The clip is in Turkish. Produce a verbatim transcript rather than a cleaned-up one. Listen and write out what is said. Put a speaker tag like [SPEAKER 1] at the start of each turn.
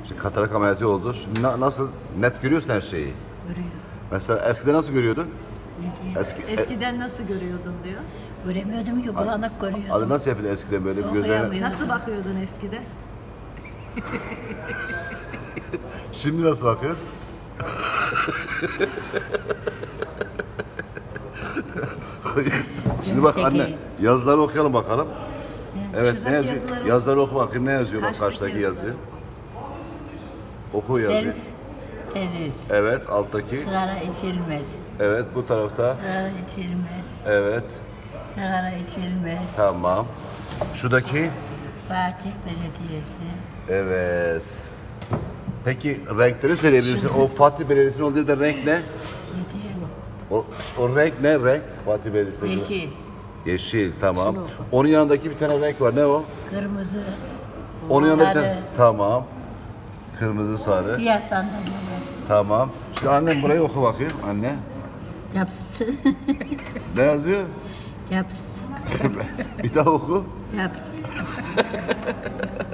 [SPEAKER 1] Şimdi katarak ameliyatı oldu. Şimdi na- nasıl? Net görüyorsun her şeyi.
[SPEAKER 2] Görüyor.
[SPEAKER 1] Mesela eskiden nasıl görüyordun?
[SPEAKER 2] Ne diyor?
[SPEAKER 1] Eski, e,
[SPEAKER 3] Eskiden nasıl görüyordun diyor.
[SPEAKER 2] Göremiyordum ki bulanık görüyordum.
[SPEAKER 1] Adı nasıl yapıyordu eskiden böyle bir gözlerine?
[SPEAKER 2] Okuyamıyor.
[SPEAKER 3] Nasıl bakıyordun eskiden?
[SPEAKER 1] Şimdi nasıl bakıyorsun? Şimdi bak anne,
[SPEAKER 2] Zeki.
[SPEAKER 1] yazıları okuyalım bakalım. Evet, ne
[SPEAKER 3] Şuradaki
[SPEAKER 1] yazıyor?
[SPEAKER 3] yazıları
[SPEAKER 1] Yazıları oku bakayım, ne yazıyor bak
[SPEAKER 3] Karşıdaki
[SPEAKER 1] karşıdaki
[SPEAKER 3] yazıları.
[SPEAKER 1] yazı. Oku yazıyı.
[SPEAKER 2] Self servis.
[SPEAKER 1] Evet, alttaki.
[SPEAKER 2] Sigara içilmez.
[SPEAKER 1] Evet, bu tarafta.
[SPEAKER 2] Sigara içilmez.
[SPEAKER 1] Evet,
[SPEAKER 2] Sigara içilmez.
[SPEAKER 1] tamam. Şuradaki.
[SPEAKER 2] Fatih Belediyesi.
[SPEAKER 1] Evet. Peki renkleri söyleyebilir misin? O Fatih Belediyesi'nin olduğu da renk ne?
[SPEAKER 2] Ne diyor?
[SPEAKER 1] O, o renk ne renk? Fatih Belediyesi'nin.
[SPEAKER 2] Yeşil.
[SPEAKER 1] Yeşil, tamam. Onun yanındaki bir tane renk var. Ne o?
[SPEAKER 2] Kırmızı.
[SPEAKER 1] Onun yanında bir
[SPEAKER 2] Sarı.
[SPEAKER 1] tane. Tamam. Kırmızı, sarı.
[SPEAKER 2] Siyah sandalyeler.
[SPEAKER 1] Tamam. Şimdi annem burayı oku bakayım. Anne.
[SPEAKER 2] Caps.
[SPEAKER 1] Ne yazıyor?
[SPEAKER 2] Caps.
[SPEAKER 1] Bir daha oku.
[SPEAKER 2] Caps.